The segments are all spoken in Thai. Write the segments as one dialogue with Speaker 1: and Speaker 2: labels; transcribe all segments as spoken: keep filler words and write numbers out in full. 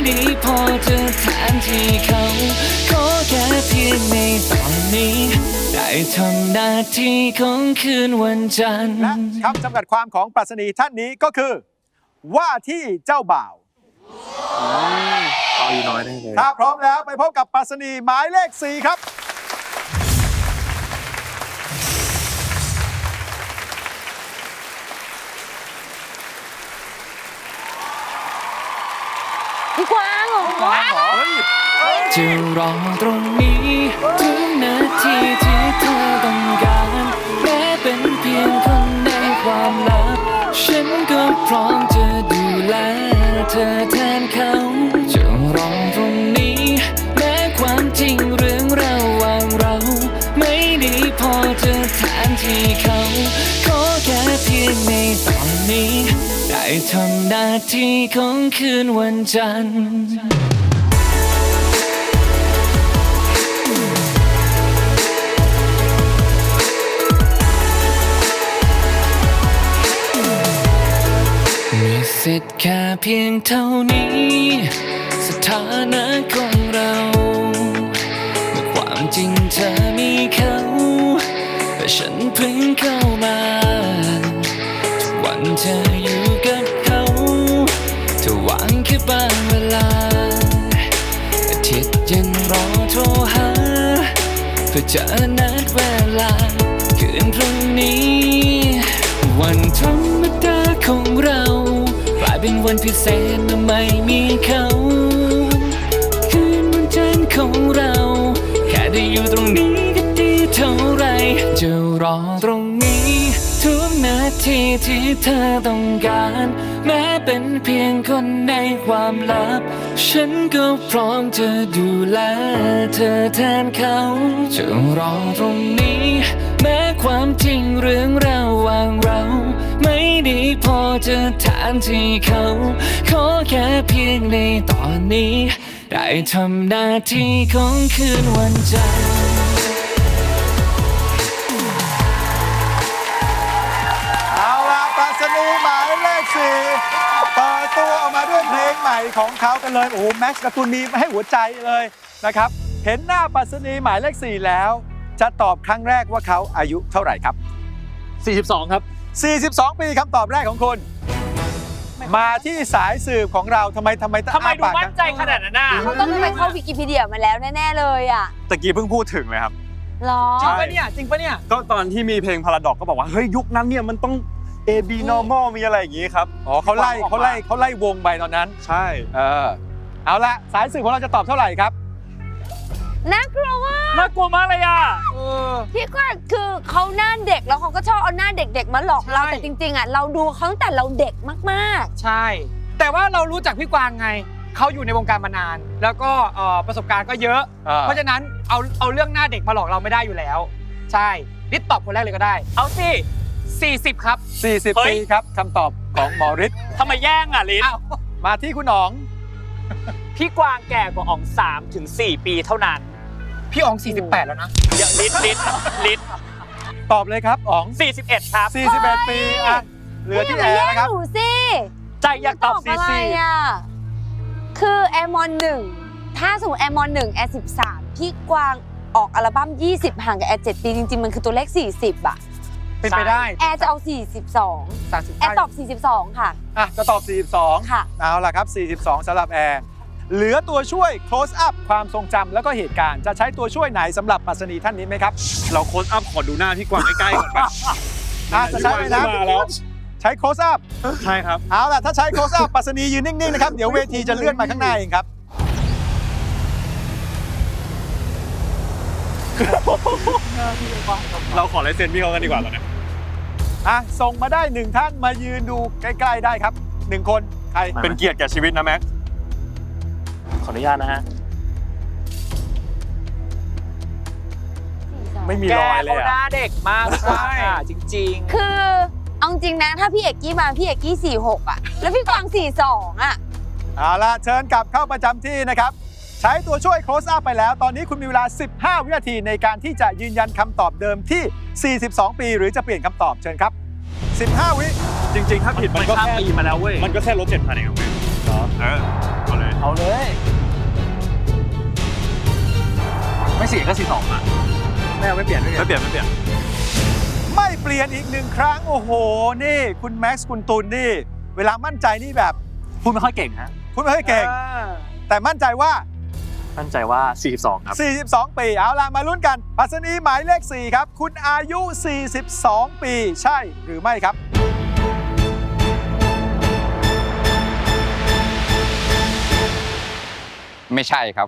Speaker 1: ได้พอจะแทนที่เขาขอแค่เพียงในตอนนี้ได้ทำหน้าที่ของคืนวันจันทร์
Speaker 2: และคำจำกัดความของปรัชนีท่านนี้ก็คือว่าที่เจ้าบ่าว
Speaker 3: เอาอยู่น้อยได้เลย
Speaker 2: ถ้าพร้อมแล้วไปพบกับปรัชนีหมายเลขสี่ครับ
Speaker 4: พี่กวางเหรอ
Speaker 1: จะรอตรงนี้ทุกนาทีที่เธอต้องการแม้เป็นเพียงคนในความลับฉันก็พร้อมจะดูแลเธอแทนเขาจะรอตรงนี้แม้ความจริงเรื่องระหว่างเราไม่ได้พอจะแทนที่เขาขอแค่เพียงในตอนนี้ได้ทำหน้าที่ของคืนวันจันทร์มีสิทธิ์แค่เพียงเท่านี้สถานะของเราเมื่อความจริงเธอมีเขาแต่ฉันเพิ่งเข้ามาทุกวันเธออยู่กับเขาเธอหวังแค่บางเวลาอาทิตย์ยังรอโทรหาเพื่อจะนัดเวลาคืนพรุ่งนี้วันธรรมดาของเรากลายเป็นวันพิเศษเมื่อไม่มีเขาคืนวันจันทร์ของเราแค่ได้อยู่ตรงนี้ก็ดีเท่าไรจะรอตรงนี้ทุกนาทีที่เธอต้องการแม้เป็นเพียงคนในความลับฉันก็พร้อมจะดูแลเธอแทนเขาจะรอตรงนี้แม้ความจริงเรื่องระหว่างเราไม่ได้พอจะแทนที่เขาขอแค่เพียงในตอนนี้ได้ทำหน้าที่ของคืนวันจันทร์
Speaker 2: เอาล่ะปรัชนีหมายเลขสี่เปิดตัวออกมาด้วยเพลงใหม่ของเขากันเลยโอ้โหแม็กซ์การ์ตูนมีมาให้หัวใจเลยนะครับเห็นหน้าปรัชนีหมายเลขสี่แล้วจะตอบครั้งแรกว่าเขาอายุเท่าไหร่ครับ
Speaker 3: สี่สิบสองครับ
Speaker 2: สี่สิบสองปีคำตอบแรกของคุณมาที่สายสืบของเราทำไมทำไม
Speaker 5: ทำไมดูมั่นใจขนาดนั้นน่ะ
Speaker 4: เขาต้องไปเข้าวิกิพีเดียมาแล้วแน่ๆเลยอ่ะ
Speaker 6: ตะกี้เพิ่งพูดถึงเลยครับ
Speaker 4: หรอ
Speaker 5: จริงปะเนี่ยจริงปะเนี่ย
Speaker 6: ก็ตอนที่มีเพลงพาราดอกก็บอกว่าเฮ้ยยุคนั้นเนี่ยมันต้อง A B normal มีอะไรอย่างงี้ครับ
Speaker 2: อ๋อเขาไล่เขาไล่เขาไล่วงไปตอนนั้น
Speaker 6: ใช่
Speaker 2: เออเอาละสายสืบของเราจะตอบเท่าไหร่ครับ
Speaker 4: น่ากลัวมาก
Speaker 5: น่ากลัวมากเลยอ่ะ
Speaker 4: พี่กวางคือเขาหน้าเด็กแล้วเขาก็ชอบเอาหน้าเด็กๆมาหลอกเรา
Speaker 5: ใช่
Speaker 4: แต่จริงๆอ่ะเราดูเขาตั้งแต่เราเด็กมากๆ
Speaker 5: ใช่ แต่ว่าเรารู้จักพี่กวางไงเขาอยู่ในวงการมานาน แล้วก็เอ่อประสบการณ์ก็เยอะ เพราะฉะนั้นเอาเอาเรื่องหน้าเด็กมาหลอกเราไม่ได้อยู่แล้ว ใช่นิดตอบคนแรกเลยก็ได้ เอาสิสี่สิบครับ
Speaker 2: สี่สิบ ปีครับคำตอบของหมอฤทธิ์
Speaker 5: ทำไมแย่งอ่ะลิศ
Speaker 2: มาที่คุณหนอง
Speaker 5: พี่กวางแก่กว่าอ๋องสามถึงสี่ปีเท่านั้นพี่อ๋องสี่สิบแปดแล้วนะเดี๋ยวลิศลิศลิศ
Speaker 2: ตอบเลยครับอ๋อง
Speaker 5: สี่สิบเอ็ดครับ
Speaker 2: สี่สิบเอ็ด ปีอ่ะเหลือที่แอร์นะครับ
Speaker 4: หนูสิ
Speaker 5: ใจอยากตอบสี่
Speaker 4: อะไร
Speaker 5: สี่
Speaker 4: อ่ะคือแอร์มอนหนึ่งถ้าสมมติแอร์มอนหนึ่งแอร์สิบสามพี่กวางออกอัลบั้มยี่สิบห่างกับแอร์เจ็ดปีจริงๆมันคือตัวเลขสี่สิบอ่ะ
Speaker 5: เป็นไปได้
Speaker 4: แอร์จะเอาสี่สิบสองแอร์ตอบสี่สิบสองค่ะ
Speaker 2: อ่ะจะตอบสี่สิบสอง
Speaker 4: ค่ะ
Speaker 2: เอาล่ะครับสี่สิบสองสำหรับแอร์เหลือตัวช่วย close up ความทรงจำแล้วก็เหตุการณ์จะใช้ตัวช่วยไหนสำหรับปรัชนีท่านนี้ไหมครับ
Speaker 6: เราโค้ดอัพขอดูหน้าพี่กวางใกล้ๆก่อนป่ะ
Speaker 2: อ่ะจะใช้ไหมนะ
Speaker 6: มาแล้ว
Speaker 2: ใช้ close up
Speaker 6: ใช่ครับ
Speaker 2: เอาล่ะถ้าใช้ close up ปรัชนียืนนิ่งๆนะครับเดี๋ยวเวทีจะเลื่อนมาข้างหน้าเองครับ
Speaker 6: เราขอลายเซ็นพี่เขากันดีกว่าตอนนี้
Speaker 2: อ่ะส่งมาได้หนึ่งท่านมายืนดูใกล้ๆได้ครับหนึ่งคนใคร
Speaker 6: เป็นเกียรติแก่ชีวิตนะแม็ก
Speaker 3: ขออนุญาตนะฮะ
Speaker 2: ไม่มี
Speaker 5: แก
Speaker 2: รอยเลย
Speaker 5: เขาหน้า
Speaker 2: อ่ะ
Speaker 5: เด็กมากใช่จริง
Speaker 4: คือเอาจริงนะถ้าพี่เอกกี้มาพี่เอกกี้สี่หกอ่ะแล้วพี่กวางสี่สองอ่ะ
Speaker 2: เอาล่ะเชิญกลับเข้าประจำที่นะครับใช้ตัวช่วย close up ไปแล้วตอนนี้คุณมีเวลาสิบห้าวินาทีในการที่จะยืนยันคำตอบเดิมที่สี่สิบสองปีหรือจะเปลี่ยนคำตอบเชิญครับสิบห้าวิ
Speaker 6: จริงๆ ถ้าผิดมันก็
Speaker 3: ข้าม
Speaker 6: แค่
Speaker 3: ปีมาแล้วเว้ย
Speaker 6: มันก็แค่ลบเจ็ดพันเองครับเหรอเออเอาเลย
Speaker 3: เอาเลยไม่สี่ก็สี่สองอ่ะไม่เอาไม่เปลี่ยนไม่เปลี่ยน
Speaker 6: ไม่เปลี่ยนไม่เปลี่ยน
Speaker 2: ไม่เปลี่ยนอีกหนึ่งครั้งโอ้โหนี่คุณแม็กซ์คุณตุลนี่เวลามั่นใจนี่แบบ
Speaker 3: พูดไม่ค่อยเก่งฮะ
Speaker 2: คุณไม่ค่อยเก่ง แต่มั่นใจว่า
Speaker 3: มั่นใจว่าสี่สิบสองครับ
Speaker 2: สี่สิบสอง ปีเอาล่ะมาลุ้นกันปรัชนีหมายเลขสี่ครับคุณอายุ สี่สิบสอง ปีใช่หรือไม่ครับ
Speaker 7: ไม่ใช่ครับ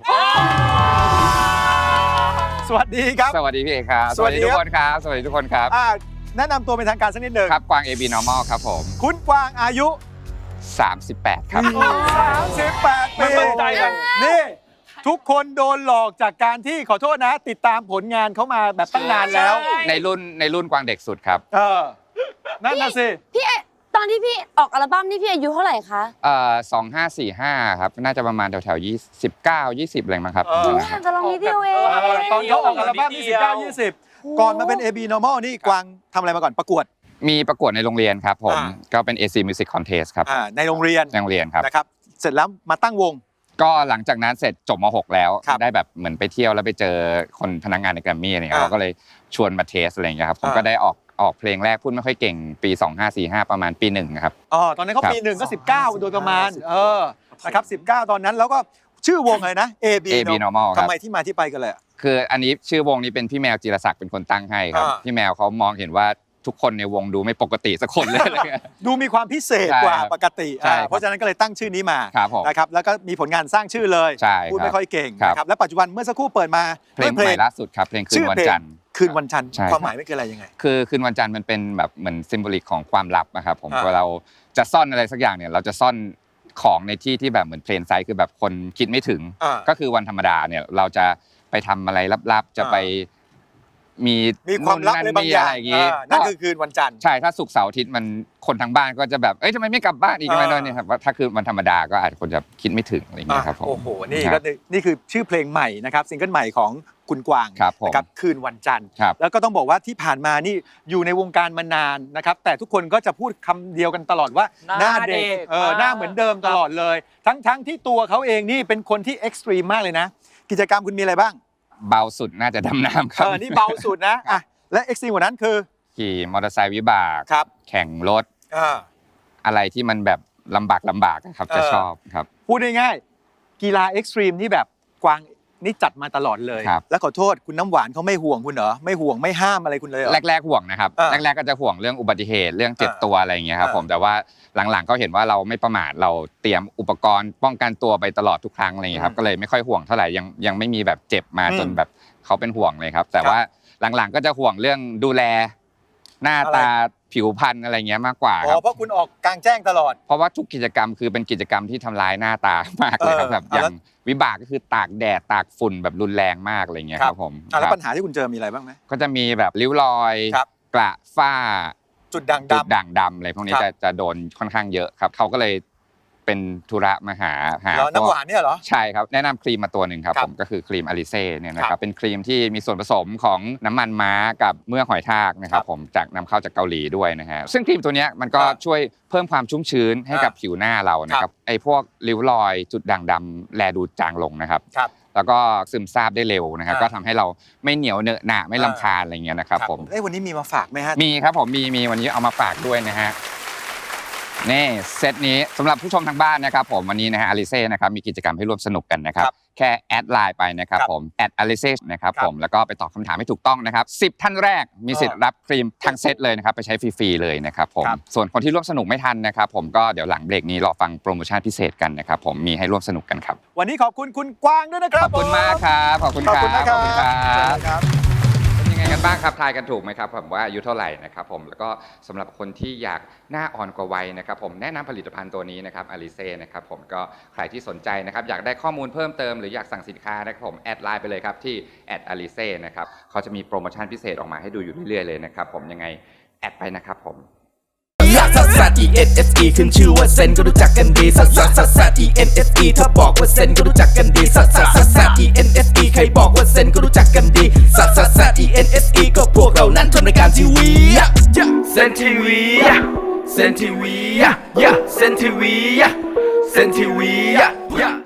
Speaker 2: สวัสดีครับ
Speaker 7: สวัสดีพี่เอกครับ
Speaker 2: สวัสดี
Speaker 7: ทุ
Speaker 2: ค
Speaker 7: ก
Speaker 2: รับ
Speaker 7: คนครับ สวัสดีทุกคนครับ
Speaker 2: อ่าแนะนำตัวเป็นทางการสักนิดหนึ่ง
Speaker 7: ครับ กวาง เอ บี Normal ครับผม
Speaker 2: คุณกวางอายุ
Speaker 7: สามสิบแปดครับ
Speaker 2: สามสิบแปด ปี
Speaker 6: ไม่มั่นใจกัน
Speaker 2: นี่ทุกคนโดนหลอกจากการที่ขอโทษนะ ติดตามผลงานเขามาแบบตั้งนานแล้ว
Speaker 7: ในรุ่นในรุ่นกวางเด็กสุดครับ
Speaker 2: เออนั่นน่ะสิ
Speaker 4: พี่เอตอนที่พี่ออกอัลบั้มนี่พี่อายุเท่าไหร่คะ
Speaker 7: เอ่อสองห้าสี่ห้าครับ น่าจะประมาณแถวๆยี่สิบเก้ายี่สิบอะไรมั้งครับ
Speaker 2: เออ
Speaker 7: ประ
Speaker 4: นี่
Speaker 7: มาณนั้นครับ
Speaker 4: จะลองนิดเดียวเอง
Speaker 2: เออตอนเขาออกอัลบั้มที่สิบเก้า ยี่สิบก่อนมาเป็น เอ บี Normal นี่กวางทำอะไรมาก่อนประกวด
Speaker 7: มีประกวดในโรงเรียนครับผม
Speaker 2: อ่า
Speaker 7: ก็เป็น เอ ซี Music Contest ครับ
Speaker 2: อ่าในโรงเรียน
Speaker 7: ในโรงเรียนครับ
Speaker 2: นะครับเสร็จแล้วมาตั้งวง
Speaker 7: ก็หลังจากนั้นเสร็จจบม หก แล้ว
Speaker 2: ครับ
Speaker 7: ได้แบบเหมือนไปเที่ยวแล้วไปเจอคนพนักงานในแกรมมี่อะไรเงี้ย
Speaker 2: อ่า
Speaker 7: เราก็เลยชวนมาเทสอะไรเงี้ยครับผม
Speaker 2: อ่า
Speaker 7: ก็ได้ออกออกเพลงแรกพูดไม่ค่อยเก่งปีสองห้าสี่ห้าประมาณปีหนึ่งนะครับ
Speaker 2: อ๋อตอนนั้นเขา
Speaker 7: ครับ
Speaker 2: ปีหนึ่งก็สิบเก้าโดยประมาณเออนะครับสิบเก้าตอนนั้นแล้วก็ชื่อวงอะไรนะ เอ บี
Speaker 7: เอ บี Normal ครับ
Speaker 2: ทำไมที่มาที่ไปกันเลยอะ
Speaker 7: คืออันนี้ชื่อวงนี้เป็นพี่แมวจิรศักดิ์เป็นคนตั้งให้ครับ
Speaker 2: อ่า
Speaker 7: พี่แมวเขามองเห็นว่าทุกคนในวงดูไม่ปกติสักคนเลยอะไรเงี้ย
Speaker 2: ดูมีความพิเศษ
Speaker 7: ใช่
Speaker 2: กว่า
Speaker 7: ครับ
Speaker 2: ปกติ
Speaker 7: ใช่
Speaker 2: อ่า
Speaker 7: ครับ
Speaker 2: เพราะฉะนั้นก็เลยตั้งชื่อนี้มา
Speaker 7: ครับผม
Speaker 2: นะครับแล้วก็มีผลงานสร้างชื่อเลย
Speaker 7: ใช่
Speaker 2: พูด
Speaker 7: ครับ
Speaker 2: ไม่ค่อยเก่ง
Speaker 7: ครับ
Speaker 2: นะครับและปัจจุบันเมื่อสักครู่เปิดมา
Speaker 7: เพลง
Speaker 2: ด้วย
Speaker 7: ใหม่ล่าสุดครับเพลงคืนวันจันทร์
Speaker 2: คืนวันจันทร์
Speaker 7: ใช่
Speaker 2: ความหมายไม่คืออะไรยังไง
Speaker 7: คือคืนวันจันทร์มันเป็นแบบเหมือนซิมโบลิกของความลับนะครับผม
Speaker 2: อ่า
Speaker 7: เวลาเราจะซ่อนอะไรสักอย่างเนี่ยเราจะซ่อนของในที่ที่แบบเหมือนเพลนไซต์คือแบบคนคิดไม่ถึง
Speaker 2: อ่า
Speaker 7: ก็คือวันธรรมดาเนี่ยเราจะไปทำอะไรลับๆ จะไปมี
Speaker 2: มีความลับอะไรบางอย่าง
Speaker 7: นู่นนั่นนี่อะไรอย่างงี้
Speaker 2: อ่านั่นคือคืนวันจันทร์
Speaker 7: ใช่ถ้าศุกร์เสาร์อาทิตย์มันคนทางบ้านก็จะแบบเอ้ยทำไมไม่กลับบ้านอีกทำไม
Speaker 2: อ่า
Speaker 7: โน่นเนี่ยครับว่าถ้าคือวันธรรมดาก็อาจจะคนจะคิดไม่ถึงอะไรอย่างเงี้ยครับผม
Speaker 2: โอ้โหนี่
Speaker 7: ค
Speaker 2: ก็
Speaker 7: รับ
Speaker 2: นี่คือชื่อเพลงใหม่นะครับซิงเกิลใหม่ของคุณกวาง
Speaker 7: ครับผม
Speaker 2: นะครับคืนวันจันทร์
Speaker 7: ครับ
Speaker 2: แล้วก็ต้องบอกว่าที่ผ่านมานี่อยู่ในวงการมานานนะครับแต่ทุกคนก็จะพูดคำเดียวกันตลอดว่า
Speaker 5: หน้าเด็ก
Speaker 2: เออหน้าเหมือนเดิมตลอดเลย ทั้งทั้งที่ตัวเขาเองนี่เป็นคนที่เอ็กซ์ตรีมมากเลยนะ กิจกรรมคุณมีอะไรบ้าง
Speaker 7: เบาสุดน่าจะดำน้ำครั
Speaker 2: เอบ อนี่เบาสุดนะอ่ะและเอ็กซ์ตรีมกว่านั้นคือ
Speaker 7: ขี่มอเตอร์ไซค์วิบาก
Speaker 2: ครับ
Speaker 7: แข่งรถ
Speaker 2: อ่า
Speaker 7: อะไรที่มันแบบลำบากลำบากอะครับจะ
Speaker 2: เออ
Speaker 7: ชอบครับ
Speaker 2: พูดง่ายๆกีฬาเอ็กซ์ตรีมนี่แบบกวางนี่จัดมาตลอดเลย
Speaker 7: ครับ
Speaker 2: แล้วขอโทษคุณน้ำหวานเขาไม่ห่วงคุณเหรอไม่ห่วงไม่ห้ามอะไรคุณเลยเหรอ
Speaker 7: แรกๆห่วงนะครับ
Speaker 2: อ่า
Speaker 7: แรกๆก็จะห่วงเรื่องอุบัติเหตุเรื่องเจ็บ
Speaker 2: อ่า
Speaker 7: ตัวอะไรอย่างเงี้ยครับ
Speaker 2: อ่า
Speaker 7: ผมแต่ว่าหลังๆก็เห็นว่าเราไม่ประมาทเราเตรียมอุปกรณ์ป้องกันตัวไปตลอดทุกครั้งอะไรอย่างเงี้ยครับก็เลยไม่ค่อยห่วงเท่าไหร่ยังยังไม่มีแบบเจ็บมา
Speaker 2: อืม
Speaker 7: จนแบบเขาเป็นห่วงเลยครับ แต่
Speaker 2: ครับ
Speaker 7: ว่าหลังๆก็จะห่วงเรื่องดูแลหน้า
Speaker 2: อะไร
Speaker 7: ตาผิวพรรณอะไรเงี้ยมากกว่า
Speaker 2: อ๋
Speaker 7: ครั
Speaker 2: อบ เพราะคุณออกกลางแจ้งตลอด
Speaker 7: เพราะว่าทุกกิจกรรมคือเป็นกิจกรรมที่ทำร้ายหน้าตามากเลยครับ
Speaker 2: เออ
Speaker 7: แบบ
Speaker 2: อ่ะ
Speaker 7: อย่า
Speaker 2: แล้ว
Speaker 7: งวิบากก็คือตากแดดตากฝุ่นแบบรุนแรงมากอะไรเงี้ยครับผม
Speaker 2: อ่ะแล้ว
Speaker 7: ครับ
Speaker 2: ปัญหาที่คุณเจอมีอะไรบ้างไหม
Speaker 7: ก็จะมีแบบริ้วรอย
Speaker 2: ครับ
Speaker 7: กระฝ้า
Speaker 2: จุดด่าง
Speaker 7: จุด
Speaker 2: ดำ
Speaker 7: ด่างดำอะไรพวกนี้
Speaker 2: ครับ
Speaker 7: จะจะโดนค่อนข้างเยอะครับเขาก็เลยเป็นธุระมาหาหา
Speaker 2: เหรอ
Speaker 7: พ
Speaker 2: น้ำ
Speaker 7: ว
Speaker 2: ห
Speaker 7: ก
Speaker 2: วานเนี่ยเหรอ
Speaker 7: ใช่ครับแนะนำครีมมาตัวหนึ่งครับ
Speaker 2: ครับ
Speaker 7: ผมก็คือครีมอลิเซ่เนี่ยนะค
Speaker 2: ครั
Speaker 7: รั
Speaker 2: บบ
Speaker 7: เป็นครีมที่มีส่วนผสมของน้ำมันม้ากับเมือกหอยทากนะครั
Speaker 2: ครับ บ
Speaker 7: ผมจากนำเข้าจากเกาหลีด้วยนะฮะซึ่งครีมตัวเนี้ยมันก็
Speaker 2: อ่า
Speaker 7: ช่วยเพิ่มความชุ่มชื้นให้กับ
Speaker 2: อ่า
Speaker 7: ผิวหน้าเรานะค
Speaker 2: ครั
Speaker 7: รับบ ไอ้พวกริ้วรอยจุดด่างดำแลดูจางลงนะครับ
Speaker 2: ครับ
Speaker 7: แล้วก็ซึมซาบได้เร็วนะครับ
Speaker 2: อ่า
Speaker 7: ก็ทำให้เราไม่เหนียวเหนอะหนะไม่
Speaker 2: อ่า
Speaker 7: ลำคาญอะไรเงี้ยนะครับผม
Speaker 2: เอ้ยวันนี้มีมาฝากไหมฮะ
Speaker 7: มีครับผมมีมีวันนี้เอามาฝากด้วยนะฮะนี่เซตนี้สำหรับผู้ชมทางบ้านนะครับผมวันนี้นะฮะอลิเซ่นะครับมีกิจกรรมให้ร่วมสนุกกันนะครับ
Speaker 2: ครับ
Speaker 7: แค่แอดไลน์ไปนะครับ
Speaker 2: ครับ
Speaker 7: ผมแอดอลิเซ่นะครับ
Speaker 2: ครับ
Speaker 7: ผมแล้วก็ไปตอบคำถามให้ถูกต้องนะครับสิบท่านแรกมีสิทธิ์รับครีมทั้งเซตเลยนะครับไปใช้ฟรีๆเลยนะครับผม
Speaker 2: ครับ
Speaker 7: ส่วนคนที่ร่วมสนุกไม่ทันนะครับผมก็เดี๋ยวหลังเบรกนี้รอฟังโปรโมชั่นพิเศษกันนะครับผมมีให้ร่วมสนุกกันครับ
Speaker 2: วันนี้ขอบคุณคุณกวางด้วยนะค
Speaker 7: ข
Speaker 2: รับ
Speaker 7: อบคุณมากครับขอบคุณ
Speaker 2: ขอบ
Speaker 7: ครับ
Speaker 2: คุณนะครับ
Speaker 7: ขอบคุณครับ
Speaker 2: เชิญเลยครับ
Speaker 7: เป็นยังไงกันบ้างครับทายกันถูกไหมครับผมว่าอายุเท่าไหร่นะครับผมแล้วก็สำหรับคนที่อยากหน้าอ่อนกว่าวัยนะครับผมแนะนำผลิตภัณฑ์ตัวนี้นะครับอลิเซ่นะครับผมก็ใครที่สนใจนะครับอยากได้ข้อมูลเพิ่มเติมหรืออยากสั่งสินค้านะครับผมแอดไลน์ไปเลยครับที่แอดอลิเซ่นะครับเขาจะมีโปรโมชั่นพิเศษออกมาให้ดูอยู่เรื่อยๆเลยนะครับผมยังไงแอดไปนะครับผม
Speaker 8: ลักซัสซัส E N S E ขึ้นชื่อว่าเซนก็รู้จักกันดีซัสซัสซัสซัส E N S E ถ้าบอกว่าเซนก็รู้จักกันดีซัสซัสซัสซัส E N S E ใครบอกว่าเซนก็รู้จักกันดีซัสซัสซัส E N S E ก็พวกเรานั้นทำรายการทีวีเซนทีวีเซนทีวีเซนทีวีเซนทีวี